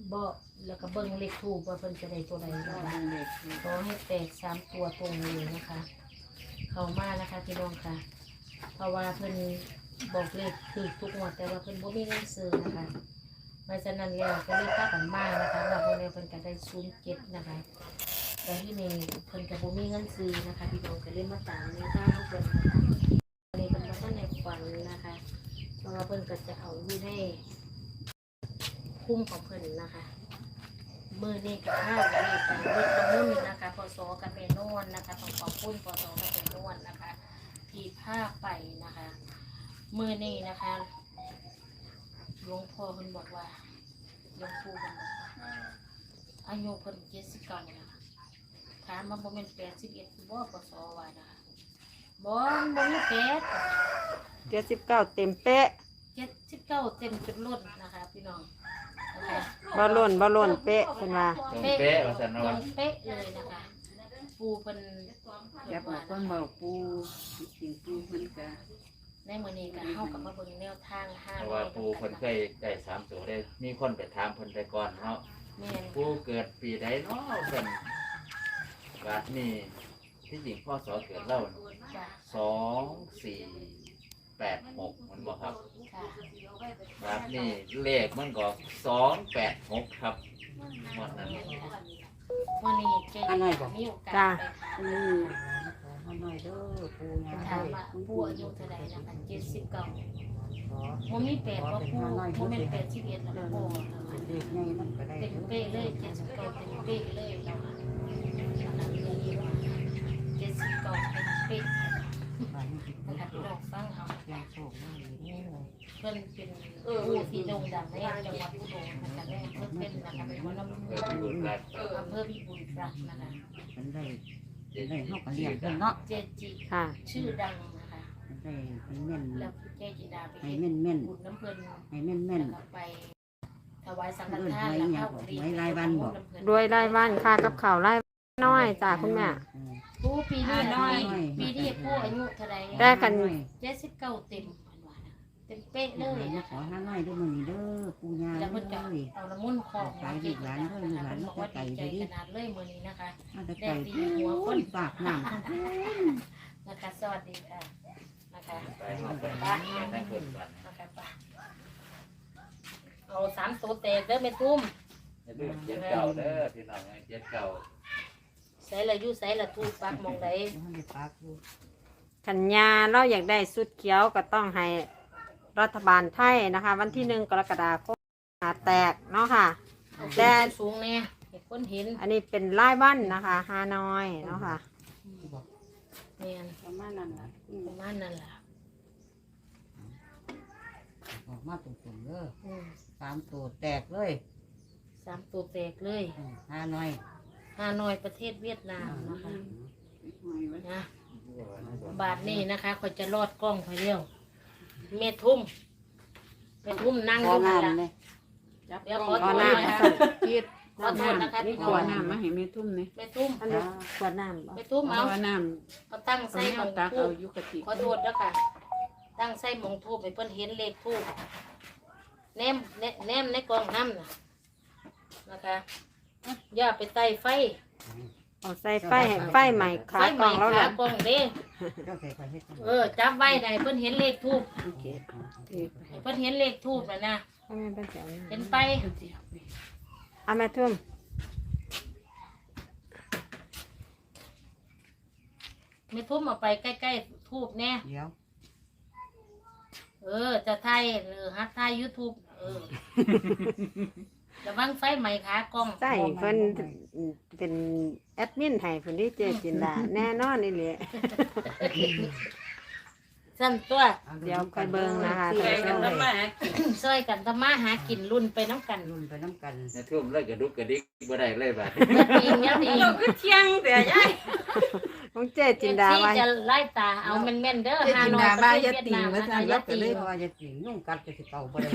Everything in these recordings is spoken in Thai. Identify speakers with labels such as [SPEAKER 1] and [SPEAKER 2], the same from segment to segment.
[SPEAKER 1] บ่แล้วก็เบิ่งเลขทูปว่าเพิ่นจะได้ตัวใดนะคะขอให้แตก3ตัวตรงเลยนะคะ เข้ามานะคะพี่น้องค่ะเพราะว่าเพิ่นบอกเลขคือทุกงวดแต่ว่าเพิ่นบ่มีเงินซื้อนะคะเพราะฉะนั้นแล้วก็เลยพากันมานะคะว่าเพิ่นเพิ่นก็ได้07นะคะแต่ที่นี่เพิ่นก็บ่มีเงินซื้อนะคะพี่น้องก็เลยมาตามในทางเพิ่นนะคะอันนี้เพิ่นบ่ทันได้ฝันนะคะเพราะว่าเพิ่นก็จะเอาอยู่ในคุ้มของเพิ่นนะคะมือนี้กับข้าวเลยไปรถประมุ่นนะคะพศกับเมนวนนะคะต้องขอบคุณพศกับเมนวนนะคะที่พาไปนะคะมือนี้นะคะหลวงพ่อเพิ่นบอกว่าหลวงปู่เพิ่นบอกว่าอายุเพิ่น79นะคะถามมาบ่แม่น81บ่พศว่านะคะบ่มี
[SPEAKER 2] 79เต็มเป๊ะ
[SPEAKER 1] 79เต็มจุดล้นนะคะพี่น้องนะคะ
[SPEAKER 2] บ่ล้นเป๊ะเพิ่นว่า
[SPEAKER 3] ตรงเป๊ะว่าซั่น
[SPEAKER 1] ตร
[SPEAKER 3] เนาะ
[SPEAKER 1] งเป๊ะเลยนะคะปูเพิ่น
[SPEAKER 4] อย่าบอกคนบอกปูจริงปูเพิ่นก็
[SPEAKER 1] ในมื้อนี้ก็เฮากับมาเบิ่งแนวทาง5
[SPEAKER 3] เพราะว่าปู่เพิ่นเคยได้3ตัวได้มีคนไปถามเพิ่นแต่ก่อนเนาะ
[SPEAKER 1] แม่น
[SPEAKER 3] ปู่เกิดปีใดเนาะเพิ่นบาดนี้ที่จริงพ่อสอเกิดเล่า
[SPEAKER 1] จ้ะ
[SPEAKER 3] 2486มันบ่ครับ
[SPEAKER 1] ค่ะ
[SPEAKER 3] บาดนี้เลขมันก็286ครับวันนั้น
[SPEAKER 1] วันนี้เจ๊มีโอกาสไปถาม
[SPEAKER 4] นี่ขอหน่อยเด้อปูงา
[SPEAKER 1] ถามว่าปู่อายุเท่าใดนะคะ79บ่มี8บ่ปู่บ่แม่น81แล้วบ่
[SPEAKER 4] เด็กไงมันก็ได้
[SPEAKER 1] เต็มเป๊ะเลย79เต็มเป๊ะเลยแล้วค่ะ79เต็มเป๊ะ
[SPEAKER 4] บ้านนี้ติด
[SPEAKER 1] นะคะพี่น้องฟังเอา
[SPEAKER 4] ยาโชคได้เลย
[SPEAKER 1] เพิ่นเป็นผู้ที่โด่งดังในจังหวัดอุดรนะคะแม่เพิ่นเป็นนะคะเป็นหัวหน้าหมู่
[SPEAKER 3] เกิดบุญรัก
[SPEAKER 1] อำเภอพิบูลรักษ์นะคะ
[SPEAKER 4] มันได้เฮาก็เลี้ยงเพิ่นเนาะ
[SPEAKER 1] เจจิ
[SPEAKER 2] ค่ะ
[SPEAKER 1] ชื่อดังนะคะ
[SPEAKER 4] มันได้ให้แม่น
[SPEAKER 1] แล้วเจจิดาไป
[SPEAKER 4] ให้
[SPEAKER 1] เฮ็ด
[SPEAKER 4] แม่น
[SPEAKER 1] บุญน้ำเพิ่น
[SPEAKER 4] ให้แม่น
[SPEAKER 1] แล้วก็ไปถวายสังฆทานแล้วเข้าเรียน
[SPEAKER 2] รวยรายวันค่ากับข้าวรายน้อยจ้าคุณแม่
[SPEAKER 1] ผู้ปีนี้น้อยปีนี้ผู้อายุเท่าใด
[SPEAKER 2] ได้กัน
[SPEAKER 1] 79เต็มเพิ่นว่านะเต็มเป๊ะเลย
[SPEAKER 4] นะ
[SPEAKER 1] นะ
[SPEAKER 4] ขอ
[SPEAKER 1] คะ
[SPEAKER 4] ห้าน้อยเด้อมื้อนี้เด้อปูยา
[SPEAKER 1] แล้ว
[SPEAKER 4] เด้
[SPEAKER 1] เพิ่นก็
[SPEAKER 4] อ
[SPEAKER 1] เอาน้ำมันต์ของมาเจจิดานะคะเพิ่นบอกว่าดีใจขนาดเลยมื้อนี้นะคะ
[SPEAKER 4] มาแต่ไก่หัวคนปากน้ำ
[SPEAKER 1] นะคะสวัสดีค่ะนะคะ
[SPEAKER 3] ไปเฮาไปทั้งเพิ่นก่อน
[SPEAKER 1] นะคะไปเอา3ตัวแตกเด้อแม่ตุ้ม
[SPEAKER 3] อย่าลืม79เด้อพี่น้อง79
[SPEAKER 1] ใส่ละอยู่ใส่ละทูปักมองใด
[SPEAKER 4] มันได้ปากอยู่
[SPEAKER 2] ขันยาเราอยากได้สุดเขียวก็ต้องให้รัฐบาลไทยนะคะ วันที่1 กรกฎาคมแตกเนาะค่ะ
[SPEAKER 1] แต่
[SPEAKER 2] แต่
[SPEAKER 1] สูงแน่เห็นคนเห็น
[SPEAKER 2] อันนี้เป็นรายวันนะคะฮานอยเนาะค่ะ
[SPEAKER 1] แม่น
[SPEAKER 4] ประมาณนั้นล่ะ
[SPEAKER 1] ประมาณนั้นล่ะ
[SPEAKER 4] ออกมาตรงๆเด้อ
[SPEAKER 1] อืม
[SPEAKER 4] 3ตัวแตกเลย
[SPEAKER 1] 3ตัวแตกเลย
[SPEAKER 4] ห้าน้อย
[SPEAKER 1] ฮานอยประเทศเวียดนามนะคะนะบาทนี้นะคะเขาจะรอดกล้องไปเร็วเมทุ่มนั่งอยู่นั่นล่ะเดี๋ยวขอโทษนะคะขอโทษนะคะพี่น้
[SPEAKER 5] ข
[SPEAKER 1] อ
[SPEAKER 5] วดน้ำมาให้แม่ทุ่มนี่
[SPEAKER 1] เมทุ่ม
[SPEAKER 2] อันนี้ขวดน้ำบ่
[SPEAKER 1] เมทุ่มเอา
[SPEAKER 5] ขวดน้
[SPEAKER 1] เขาตั้ง
[SPEAKER 5] ำ
[SPEAKER 1] ใส่
[SPEAKER 5] เอา
[SPEAKER 1] หมอง
[SPEAKER 5] ตัก
[SPEAKER 1] ทู
[SPEAKER 5] เอา
[SPEAKER 1] บ
[SPEAKER 5] ยุกติ
[SPEAKER 1] ขอโทษแล้วค่ะ ตั้งใส่หมองทูบไปเพิ่นเห็นเลขทูบแนมในกล่องน้ำนะคะอย่าไปไต่ไฟ
[SPEAKER 2] เอาใส่ไฟใหม่ขากล่องแล้ว
[SPEAKER 1] ขา
[SPEAKER 2] ล่ะ
[SPEAKER 1] กล่องเด้
[SPEAKER 4] เจ้าใส่ไปเฮ็ด
[SPEAKER 1] จับไว้ได้เพิ่นเห็นเลขทูบ
[SPEAKER 4] โอเค
[SPEAKER 1] เพิ่นเห็นเลขทูบแล้วนะ
[SPEAKER 2] ให้แม่เป็นแถว
[SPEAKER 1] เห็นไป
[SPEAKER 2] เอาแม่ทุ่ม
[SPEAKER 1] ไม่ทุ่มเอาไปใกล้ๆทูบแน่
[SPEAKER 4] เดี๋ยว
[SPEAKER 1] จะไทยหรือฮัทไทย YouTube ระวังไฟไหม้ขากล้อง
[SPEAKER 2] ใส่เพิ่นเป็นแอดมินให้เพิ่นที่เจจินดาแน่นอนนี่แหละ
[SPEAKER 1] สั่นตัว
[SPEAKER 2] เดี๋ยวค่อยเบิ่งนะคะ
[SPEAKER 5] ช่วยกันทำมา
[SPEAKER 1] ช่วยกันทำมาหากินรุ่นไปน้ำกัน
[SPEAKER 4] รุ่นไปน้ำกัน
[SPEAKER 3] ในทุ่มเลยกระดุกกระดิกบ่ได้เลยบาด
[SPEAKER 1] ยิงยัดยิง
[SPEAKER 5] เราก็เที่ยงแต่ยาย
[SPEAKER 2] ของเจจินดา
[SPEAKER 1] ที่
[SPEAKER 2] ไว้
[SPEAKER 1] จะไล่ตาเอาแม่นๆเด้อ
[SPEAKER 5] เจจินดาบ้าอย่าติ่งว่าซั่น
[SPEAKER 1] อย่า
[SPEAKER 4] ก็
[SPEAKER 1] ติ่
[SPEAKER 4] เลย
[SPEAKER 1] ง
[SPEAKER 4] ว่าจะกินนุ่งกัดก็สิเก่าบ่ได้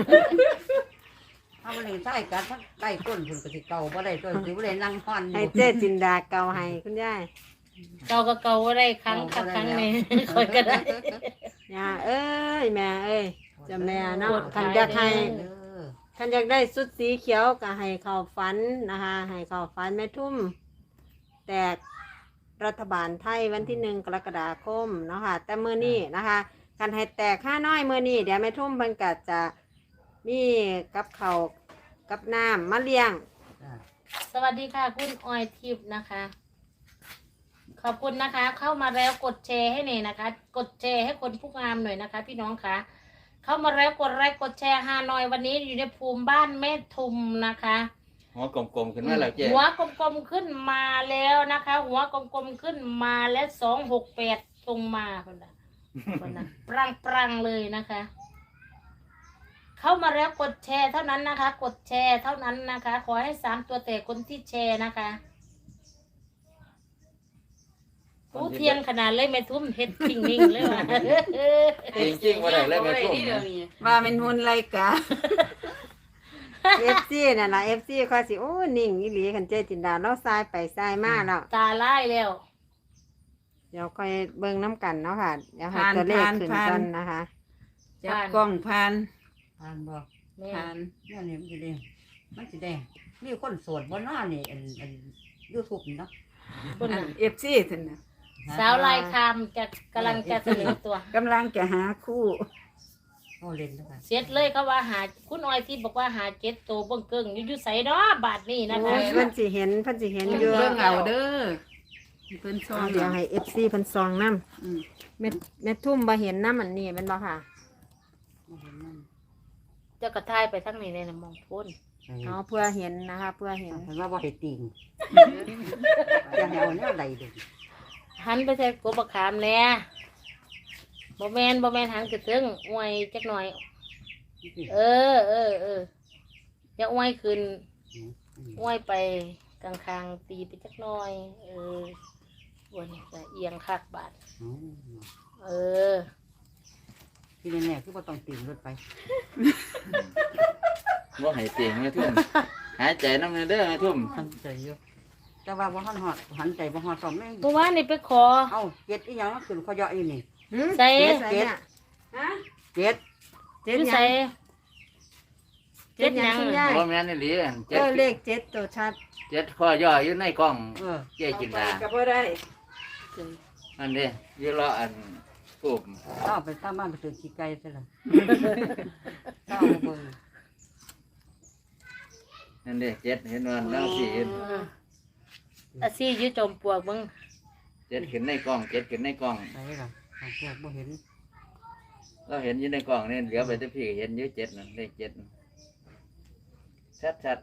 [SPEAKER 4] ถ้าบ่ได้ใต้กัดใต้ก้นเพิ่นก็สิเก่าบ่ได้ตัวสิบ่ได้นั่งฮ้อนอ
[SPEAKER 2] ให้
[SPEAKER 4] ยู่
[SPEAKER 2] เจจินดาเกาให้คุณยาย
[SPEAKER 1] เก่าก็เก่าได้ครั้งกับครั้งนี้คอยก็ได้
[SPEAKER 2] ย่าเอ้ยแม่เอ้ยจะแม่เนาะคันอยากให้
[SPEAKER 4] เด้อ
[SPEAKER 2] ท่านอยากได้สุดสีเขียวก็ให้เข้าฝันนะคะ ให้เข้าฝันแม่ทุ่มแตกรัฐบาลไทยวันที่1 กรกฎาคมเนาะค่ะแต่มื้อนี้นะคะการให้แตก5น้อยมื้อนี้เดี๋ยวแม่ทุ่มเพิ่นก็จะมีกับข้าวกับน้ำมาเลี้ยง
[SPEAKER 4] จ้ะ
[SPEAKER 1] สวัสดีค่ะคุณออยทิพย์นะคะ ขอบคุณนะคะ เข้ามาแล้วกดแชร์ให้หน่อยนะคะ กดแชร์ให้คนผู้งามหน่อยนะคะ พี่น้องคะเข้ามาแล้วกดไลค์กดแชร์หน่อยวันนี้อยู่ในภูมิบ้านแม่ทุมนะคะ
[SPEAKER 3] หัวกลมๆขึ้นมาแล้วเจ๊
[SPEAKER 1] หัวกลมๆขึ้นมาแล้วนะคะ หัวกลมๆขึ้นมาแล้ว268ตรงมาคนละคนละปรังเลยนะคะ เข้ามาแล้วกดแชร์เท่านั้นนะคะ กดแชร์เท่านั้นนะคะ ขอให้3ตัวแต่คนที่แชร์นะคะผู้เทียงขนาดเลยไม่ทุ่มเฮ็ดจริงนิ่งเลยว่ะ
[SPEAKER 3] จริงๆว่าได้เลยแม่ทุ่ม
[SPEAKER 5] ว่าเป็นหุ่นไรกะ
[SPEAKER 2] FC น่ะนะ FC ค่อยสิโอ้นิ่งอีหลีคันเจจินดาเราซ้ายไปซ้ายมาแล้ว
[SPEAKER 1] ตาไล่แล้ว
[SPEAKER 2] เดี๋ยวค่อยเบิ่งน้ำกันเนาะค่ะเดี๋ยวให้ตัวเลขขึ้นก่อนนะคะ
[SPEAKER 5] จับกล้องผ่าน
[SPEAKER 4] ผ่านบ่
[SPEAKER 1] แม่
[SPEAKER 5] ผ่าน
[SPEAKER 4] เนี่ยนี่มันสิได้มันสิได้มีคนโสดบ่น้อนี่อัน YouTube นี่เนาะ
[SPEAKER 1] คนน่ะ
[SPEAKER 5] เอฟซีท่านน่ะ
[SPEAKER 1] สาวลายคามจะกำลังจะเสนอตัว
[SPEAKER 5] กำลังจะหาคู่
[SPEAKER 4] โอ้เล่นแล้วกัน
[SPEAKER 1] เสร็จเลยเขาว่าหาคุณออยที่บอกว่าหา7ตัวเบิ่งเกิ้งอยู่ใส่เนาะบาทนี้นะคะ
[SPEAKER 2] โอ้ยเพิ่นสิเห็นอยู่
[SPEAKER 5] เรื่องเอาเด้อเพิ่นซ้อ
[SPEAKER 2] เอา
[SPEAKER 5] ม
[SPEAKER 2] เดี๋ยวให้ FC เพิ่นซองน้ำ
[SPEAKER 5] อืม
[SPEAKER 2] แม่ทุ่มบ่เห็นน้ำอันนี้แม่นบ่ค่ะ
[SPEAKER 4] บ่เห็นนั่น
[SPEAKER 1] เจ้ากระทายไปทั้งนี้เลยนะมองพ้น
[SPEAKER 2] เอาเพื่อเห็นนะคะเพื่อเห็น
[SPEAKER 4] เห็นว่าบ่ให้ติงอย่าให้เอาแนวใดเด้อ
[SPEAKER 1] หันไปใส่กบบักขามแน่บ่แมนหันกระเทิงอวยจักหน่อย เอออย่าอวยขึ้นอวยไปกลางๆตีไปจักหน่อย วนจะเอียงคักบาท เออ
[SPEAKER 4] ที่แน่ๆคือบ่ต้องติงรถไป
[SPEAKER 3] ว่าให้เตียงแม่ทุ่มหายใจน้ำเงินเด้อแม่ทุ่ม
[SPEAKER 4] หันใจอยู่แต่ว่าบ่ฮอดหันใจบ่ฮอดสองแม่ง
[SPEAKER 1] เมื่อวานนี่ไปขอ
[SPEAKER 4] เอ้าเจ็ดอีหยังมันขึ้นเขาเยาะอยู่นี่
[SPEAKER 1] ใส่
[SPEAKER 2] ใส่เนี่ย
[SPEAKER 5] ฮะ
[SPEAKER 4] เจ็ด
[SPEAKER 2] เจ็
[SPEAKER 1] อ
[SPEAKER 2] ด
[SPEAKER 1] ยู่
[SPEAKER 2] หยั
[SPEAKER 1] ใส่
[SPEAKER 2] งเจ็ดหยังคุณยาย
[SPEAKER 3] ว่าแม่นอี่หลี
[SPEAKER 2] เออเลขเจ็ดตัวชัด
[SPEAKER 3] เจ็ดข้อย่ออยู่ในกล้อง
[SPEAKER 4] เออ
[SPEAKER 3] เจ๊จินดา
[SPEAKER 5] ก็บ่ได้
[SPEAKER 3] อันนี้อยู่รออันทูบ
[SPEAKER 4] เอาไปตามบ้านไปตื่นขี้ไก่ซะล่ะเอาเบิ่ง
[SPEAKER 3] นั่นเด้เจ็ดเห็นว่าน้องสี่เห็น
[SPEAKER 1] อาซี่อยืดจมปลวกมึง
[SPEAKER 3] เจ็ดขึ้นในกล้องเจ็ดขึ้นในกล้อง
[SPEAKER 4] ไหนล่ะเอาพวกบ่เห็น
[SPEAKER 3] เราเห็นอยู่ในกล้องนี่เหลือไปแต่พี่ก็เห็นอยู่เจ็ดนั่นเลขเจ็ดชัด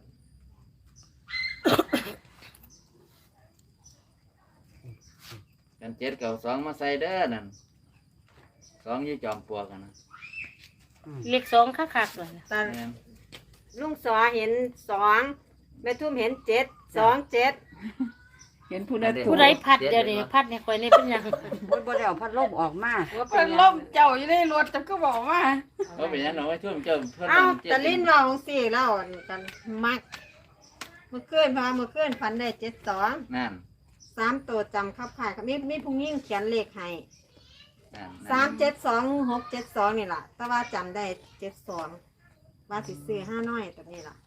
[SPEAKER 3] ๆกันเจ็ดเก่าสองมาใส่เด้อนั่นสองอยู่จอมปลวกกันนะ
[SPEAKER 1] เลข2คักๆเลยนะ
[SPEAKER 2] ตา
[SPEAKER 3] แม่น
[SPEAKER 2] ลุงสอเห็น2แม่ทุ่มเห็น7 2 7
[SPEAKER 5] เห็นผู้นั้น
[SPEAKER 1] ผู้ใดพัดเดี๋ยวนี้พัดเนี่ยคอยนี่เป็นหยัง
[SPEAKER 4] บ่ได้เอาพัดลมออกมา
[SPEAKER 2] ว่าเป็
[SPEAKER 5] เพิ่
[SPEAKER 2] น
[SPEAKER 5] น
[SPEAKER 2] ห
[SPEAKER 5] ล่
[SPEAKER 2] ยัง
[SPEAKER 5] มเจ้าอยู่ในรถแต่ก็บอกว่า
[SPEAKER 3] เขาเป็นหยังหนูไม่ทุ่มเจ้าเพิ่น
[SPEAKER 2] เอ้า
[SPEAKER 3] เจ็ด
[SPEAKER 2] แต่ลิ้นเราของสี่แล้วกันมักเมื่อคืนฝันได้72
[SPEAKER 3] นั่น
[SPEAKER 2] 3ตัวจำคับข่ายครับมีผู้หญิงเขียนเลขให้
[SPEAKER 3] นั่น
[SPEAKER 2] 372 672นี่ล่ะแต่ว่าจำได้72ว่าสิซื้อ5น้อยตัวนี้ล่ะ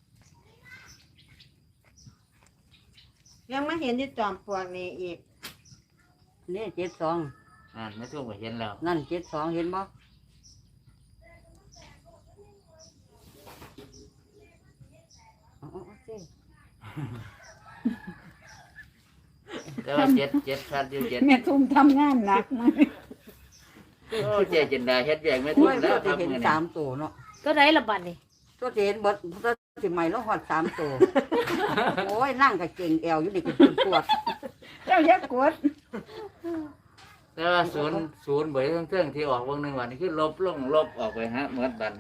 [SPEAKER 2] ยังไม่เห็นที่จอมปลวกนี่อีก
[SPEAKER 4] นี่72
[SPEAKER 3] นั่นไม่ทุ่มก็เห็นแล้ว
[SPEAKER 4] นั่น72เห็นบ่เอาๆสิ
[SPEAKER 3] แต่ว่าเจ็ดชัดอยู่เจ็ด
[SPEAKER 5] แม่ทุ่มทำงานหนักมา
[SPEAKER 3] โอ้เจ๊จินดาเฮ็ดแยกไม่
[SPEAKER 4] โอ้
[SPEAKER 3] ทุ่ม
[SPEAKER 4] ย
[SPEAKER 3] แล้
[SPEAKER 4] ตัว
[SPEAKER 3] วค
[SPEAKER 4] ที่
[SPEAKER 3] รับ
[SPEAKER 4] เห็น
[SPEAKER 3] มื้อนี้
[SPEAKER 4] สามตัวเนาะ
[SPEAKER 1] ก็ได้ละบัดนี่
[SPEAKER 4] ตัวที่เห็นเบิดตัวที่ใหม่แล้วฮอด3ตัวโอ้ยนั่งก็เก่งแอวอยู่นี่ก็เป็นปวด
[SPEAKER 5] เจ้าอย่ากด
[SPEAKER 3] แต่ว่าศูนย์เบยเครื่องที่ออกวงหนึ่งวันนี้คือลบออกไปฮะเหมือนบัน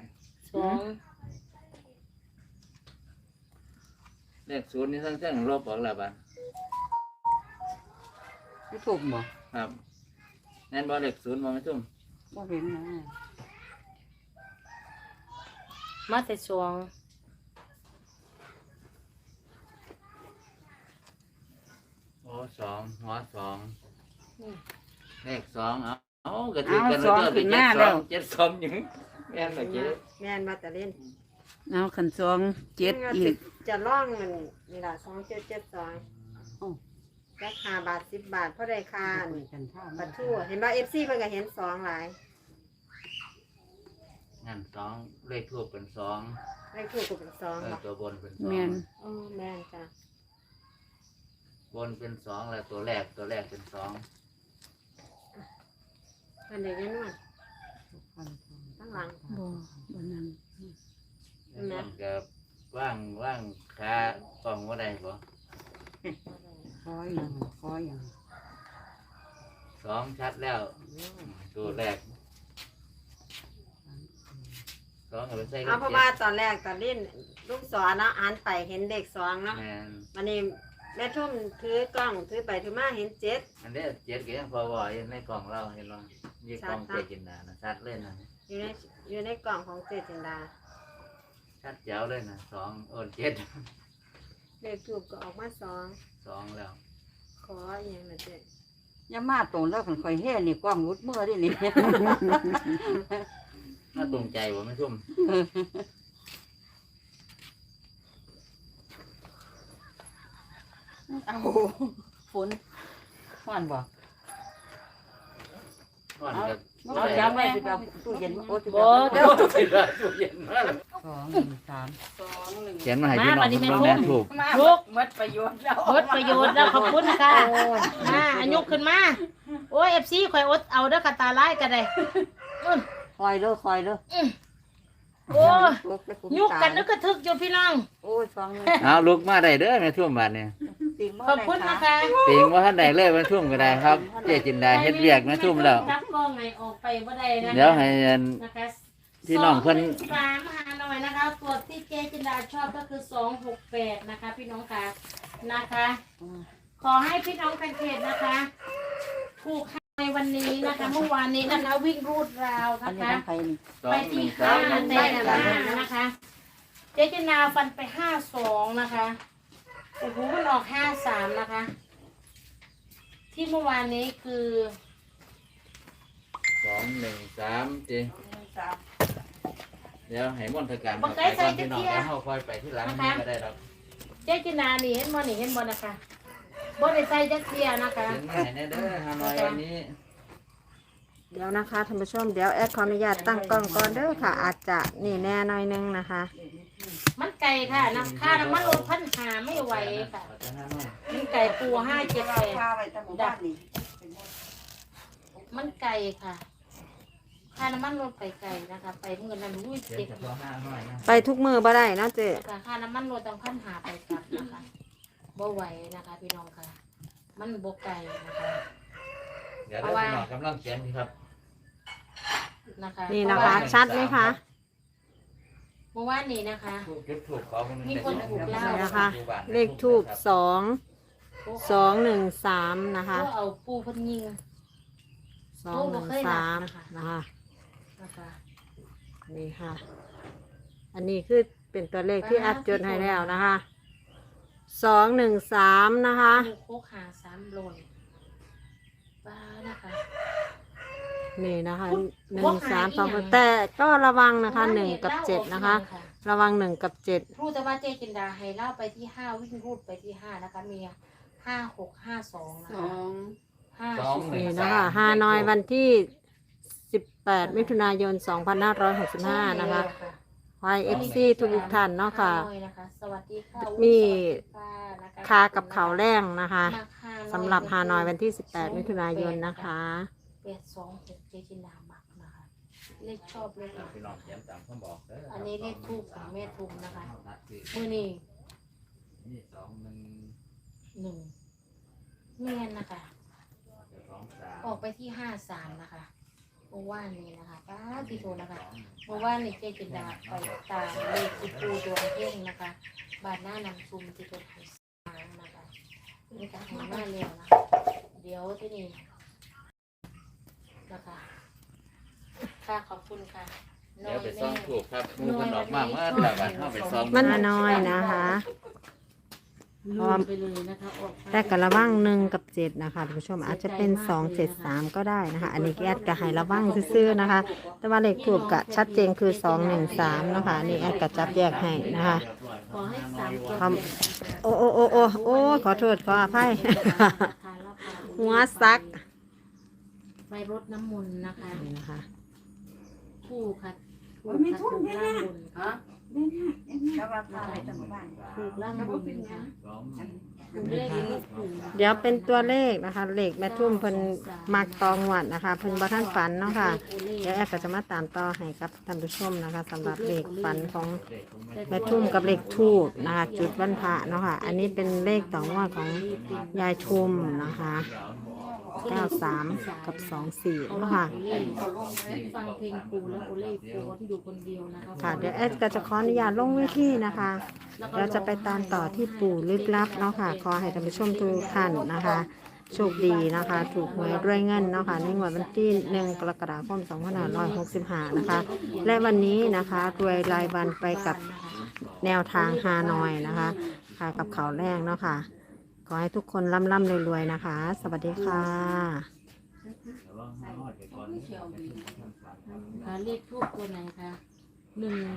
[SPEAKER 3] เลขศูนย์นี่เครื่องลบออกแล้วบัน
[SPEAKER 4] ไม่ถูกบ่
[SPEAKER 3] ครับนั่นบอเลขศูนย์บ่ไม่ทุ่ม
[SPEAKER 4] บ่เห็นนะ
[SPEAKER 1] มาแต่สวง
[SPEAKER 3] โอ้สองหัวสองเลขสองเอากระถือกันแล้วก็ไปเจ็ดสองยังแม่นเหรอเจ๊
[SPEAKER 2] แม่นมาแต่เล่น
[SPEAKER 5] เอาขัน2 7อีก
[SPEAKER 2] จะล่องมันนี่ล่ะ2772
[SPEAKER 4] โอ้
[SPEAKER 2] ราคาบาท10 บาทเพราะได้ค่า
[SPEAKER 4] คุยกันท่า
[SPEAKER 2] ปลาทูเห็นว่า FC เพิ่นก็เห็น2หลาย
[SPEAKER 3] งั้นสองเลขทูบเป็นสอง
[SPEAKER 2] เลขถูกก็เป็น2บ่
[SPEAKER 3] ตัวบนเป็นสอง
[SPEAKER 5] แม่น
[SPEAKER 2] แม่นจ้ะ
[SPEAKER 3] บนเป็นสองแล้วตัวแรกเป็นสอง
[SPEAKER 2] เพิ่นได้เงินมาตั้งหลัง
[SPEAKER 5] บ่บ่นั่น
[SPEAKER 3] มันก็ว่างขากล้องว่าได้บ่
[SPEAKER 4] คอยอย่างคอยอย่าง
[SPEAKER 3] สองชัดแล้วตัวแรกสองก็ไปใส่
[SPEAKER 2] เอาเพราะว่าตอนแรกตอนเล่นลูกศรเนาะอ่านไปเห็นเลข2เนาะ
[SPEAKER 3] แม่น
[SPEAKER 2] วันนี้แม่ทุ่มถือกล้องถือไปถือมาเห็น7
[SPEAKER 3] อันนี้เจ็ดก็ยังพอบ่อยู่ในกล่องเราเห็นบ่ยี่กล่องเจกินดานะชัดเลยนะ
[SPEAKER 2] อยู่ในกล่องของเจจินดา
[SPEAKER 3] ชัดแจ๋วเลยนะสองเจ็ด
[SPEAKER 2] เลขถูกก็ออกมา2
[SPEAKER 3] สองแล้ว
[SPEAKER 2] ขออหย่างละเจ๊
[SPEAKER 4] อย่ามาตรงแล้วคันคอยเฮ็ดนี่กล้องรุดมือดินี่
[SPEAKER 3] ถ้าตรงใจบ่ไม่ชุ่ม
[SPEAKER 4] เอาฝนฮ้อนบ่
[SPEAKER 3] ก่อนกับ
[SPEAKER 4] เอาจำไว้สิแบบตู้เย็นโอ้สิ
[SPEAKER 3] บ่เดี๋ยวสิว่าตู้เย็นมา
[SPEAKER 4] 2 1 3
[SPEAKER 3] เขียนมาให้พี่น้องเบิ่งแม่ถูก
[SPEAKER 1] ลูก
[SPEAKER 5] หมดประโยชน์แล้ว
[SPEAKER 1] หมดประโยชน์แล้วขอบคุณค่ะมาอันยกขึ้นมาโอ้ย FC ข่อยอดเอาเด้อค่ะตาลายก็ได้
[SPEAKER 4] คอยเด้อคอยเด้อ
[SPEAKER 1] โอ้ยยุกกันนึกกระทึกอยู่พี่น้อง
[SPEAKER 4] โอ้ย2เลย
[SPEAKER 3] เอาลุกมาได้เด้อแม่ทุ่มบาดนี้
[SPEAKER 4] ติ่งบ่
[SPEAKER 1] ขอบ
[SPEAKER 4] ได้
[SPEAKER 1] คุณนะคะ
[SPEAKER 3] ติงว่าท่านใดเลยแม่ทุ่มก็ได้ครับ เจจินดาเฮ็ดเวียกแม่ทุ่มแล้ว
[SPEAKER 1] รับกล้องไงออกไปบ่ได้นะคะ
[SPEAKER 3] เดี๋ยวให้
[SPEAKER 1] นะคะ
[SPEAKER 3] พี่น้องเพิ่น
[SPEAKER 1] 213หาหน่อยนะคะตัวที่เจจินดาชอบก็คือ268นะคะ พี่น้องค่ะนะคะ ขอให้พี่น้องแฟนเพจนะคะถูกในวันนี้นะคะเมื่อวานนี้นะคะวิ่งรูดราว
[SPEAKER 4] อัน
[SPEAKER 1] นะ
[SPEAKER 4] นี้
[SPEAKER 1] คะ
[SPEAKER 4] ทางไผนี่
[SPEAKER 1] ไปที่ห้าแต่นะคะ เจจินาฟันไป52นะคะโอ้โหมันออก53นะคะ ที่เมื่อวานนี้คือ
[SPEAKER 3] 213จิเดี๋ยวให้มนต์ทการเข้าไปก่อนพี่น้องแล้วเฮาค่อยไปที่หลังนี้ก็ได้ดอก
[SPEAKER 1] เจจินานี่เห็นบ่นี่เห็นบ่นะคะบ่ได้ใส่จักเทียนะคะ
[SPEAKER 3] เขียนมาให้แน่เด้อฮานอยวันนี้
[SPEAKER 2] เดี๋ยวนะคะท่านผู้ชมเดี๋ยวแอดขออนุญาตตั้งกล้องก่อนเด้อค่ะ อาจจะนี่แน่หน่อยนึงนะคะ
[SPEAKER 1] มันไก่ค่ะน้ำค่าน้ำมันลด1,500ไม่ไหวค่ะ
[SPEAKER 3] เอาแต่ฮานอย
[SPEAKER 1] มันไก่ปู578
[SPEAKER 4] พาไว้ตั้งหมู่บ้านนี่
[SPEAKER 1] มันไก่ค่ะค่าน้ำมันลดไปไก่นะคะ ไปเงินนั้นอุ้ย
[SPEAKER 3] เขียน
[SPEAKER 1] เจ็บ
[SPEAKER 3] เฉพาะฮานอยนะ
[SPEAKER 2] ไปทุกมือบ่ได้เนาะเจ๊
[SPEAKER 1] ค่ะค่าน้ำมันลดตั้ง1,500ไปกลับนะคะบ่ไหวนะคะ พี่น้องค่ะ มันบ่ไก่นะคะ
[SPEAKER 3] เดี๋ยวพี่น้องกำลังเขียนครับ
[SPEAKER 1] นะคะ
[SPEAKER 2] นี่นะคะ ชัดไหมคะ
[SPEAKER 1] เมื่อวานนี้นะคะ
[SPEAKER 3] จุดถูกขอคน
[SPEAKER 1] มีคนถูกแล้ว
[SPEAKER 2] นี่นะคะ เลขทูบ2 นะคะ
[SPEAKER 1] ก็เอาปูเพิ่นยิง
[SPEAKER 2] 213นะคะ
[SPEAKER 1] นะคะ
[SPEAKER 2] นี่ค่ะ อันนี้คือเป็นตัวเลขที่อัดจดให้แล้วนะคะ213นะคะ
[SPEAKER 1] ลูกโคกหา3โลนป้านะคะ
[SPEAKER 2] นี่นะคะ
[SPEAKER 1] ว่าหายอีกอย่าง
[SPEAKER 2] 1 3 2แต่ก็ระวังนะคะ1 กับ 7 นะคะ ระวัง1 กับ 7
[SPEAKER 1] รู้แต่ว่าเจจินดาให้เล่าไปที่5วิ่งรูดไปที่5นะคะมี5652นะคะ
[SPEAKER 2] นี่นะคะฮานอยวันที่ 18 มิถุนายน 2565 นะคะไวเอฟซีทุกท่านเนาะค่ะ
[SPEAKER 1] สวัสดีค่ะ
[SPEAKER 2] มีคากับเขาวแรงนะคะสำหรับฮานอยวันที่ 18 มิถุนายนนะคะ
[SPEAKER 1] 826เจจินดามักนะคะเลขชอบเลข
[SPEAKER 3] พี่น้องเขียนตามคำบอกเด้อ
[SPEAKER 1] อันนี้เลขทูปของแม่ทุมนะคะ
[SPEAKER 3] นัดที่
[SPEAKER 1] มือนี่
[SPEAKER 3] นี่
[SPEAKER 1] 1
[SPEAKER 3] 21
[SPEAKER 1] เมียนนะคะ
[SPEAKER 3] 23
[SPEAKER 1] ออกไปที่53นะคะเมื่อวานนี้นะคะป้าพี่โทนะคะเมื่อวานนี้เจจินดาไปตามเลขที่ปูดวงเพ่งนะคะบาทหน้านำซุมที่ตัวไทยสามนะคะนี่การให้มาเร็วนะคะเดี๋ยวที่นี่นะคะค่ะขอบคุณค่ะ
[SPEAKER 3] เดี๋ยวไปซ่อมถูกครับมูกันออกมาเมื่อแต่วันเข้าไปซ่อม
[SPEAKER 2] มันน้อยนะคะ
[SPEAKER 1] ลืมไปเลยนะคะออกไป
[SPEAKER 2] แต่กระวัง1 กับ 7นะคะท่านผู้ชมอาจจะเป็น2 7 3ก็ได้นะคะอันนี้แอดก็ให้ระวังซื่อๆนะคะ แต่ว่าเลขถูกกะชัดเจนคือ2 1 3เนาะค่ะอันนี่แอดก็จับแยกให้นะคะ
[SPEAKER 1] ขอให้สามตัว
[SPEAKER 2] ความโอ้ขอโทษขออภัย หัวซัก
[SPEAKER 1] ไปรดน้ำมนต์นะคะ
[SPEAKER 2] นี่นะคะ
[SPEAKER 1] คู่ค่ะคู่ค่ะถูกล่างบนค่ะ
[SPEAKER 4] แล้วว่าพาไปตำบ้าน
[SPEAKER 1] ถูกล่างบนค่ะถูกเลขลูกถูก
[SPEAKER 2] เดี๋ยวเป็นตัวเลขนะคะเลขแม่ทุ่มเพิ่นมักตองหวัดนะคะเพิ่นบ่ทันฝันเนาะค่ะเดี๋ยวแอดก็จะมาตามต่อให้กับท่านผู้ชมนะคะสำหรับเลขฝันของแม่ทุ่มกับเลขทูบนะคะจุดวันพระเนาะค่ะอันนี้เป็นเลขต่องวดของยายทุมนะคะ93กับ24เนาะค่ะ
[SPEAKER 1] ฟังเพลงปูแล้วโอเล่ปูที่อยู่คนเดียวนะคะ
[SPEAKER 2] ค่ะเดี๋ยวแอดก็จะขออนุญาตลงเวทีนะคะเราจะไปตามต่อที่ปู่ลึกลับเนาะค่ะขอให้ท่านผู้ชมทุกท่านนะคะโชคดีนะคะ ถูกหวยด้วยเงินเนาะค่ะในวันที่1 กรกฎาคม 2565นะคะและวันนี้นะคะรวยรายวันไปกับแนวทางฮานอยนะคะค่ะกับข่าวแรกเนาะค่ะขอให้ทุกคนร่ำรวยๆนะคะ สวัสดีค่ะ
[SPEAKER 1] เลขทูบตัวไหนคะ1